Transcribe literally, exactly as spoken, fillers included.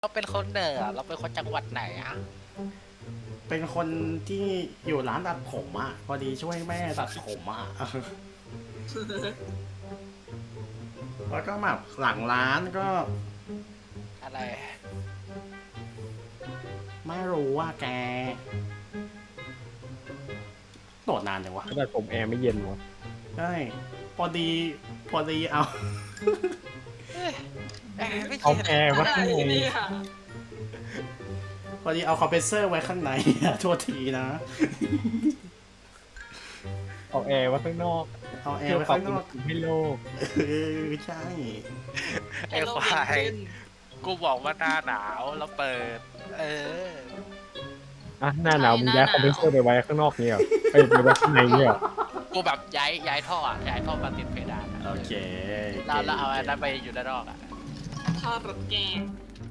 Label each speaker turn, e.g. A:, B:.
A: เราเป็นคนเหนือเราเป็นคนจังหวัดไหนอะ
B: เป็นคนที่อยู่ร้านตัดผมอ่ะพอดีช่วยแม่ตัดผมอ่ะ แล้วก็แบบหลังร้านก็
A: อะไร
B: ไม่รู้ว่าแกโดดนานจังวะ
C: แต่ผมแอร์ไม่เย็นวะ
B: ใช่พอดีพอดีเอา
A: เอ้ยเอ้ยไม่
C: เอา
A: ใช่
C: แอร์ว่า
D: อะไร
C: ข้างใน
D: เนี่ย
B: พอดีเอาคอมเพรสเซอร์ไว้ข้างใน โทษทีนะ
C: เอาแอร์ว่าข้างนอก
B: เอาแอ
C: เพื่
B: ร์
C: อ
B: ไว้
C: ปรับ
B: ข้างน
C: อุณ
B: อ
C: ห
B: ก
C: ภูมิให้โลก
B: เออใช่
A: ไอ้ควายกูบอกว่าหน้าหนาวแล้วเปิด เออ
C: อ่ะหน้าหนาวมึงย้ายคอมเพรสเซอร์ไปไว้ข้างนอกเนี่ยเหรอเอ้ยไปไว้ข้างในเนี่ยเหรอ
A: กูแบบย้ายย้ายท่ออะย้ายท่อมาติดเพดานอะ
B: โอเค
A: แล้วแล้วเอาอันนั้นไปอยู่ด้านนอกอะ
D: ทอดรถแกง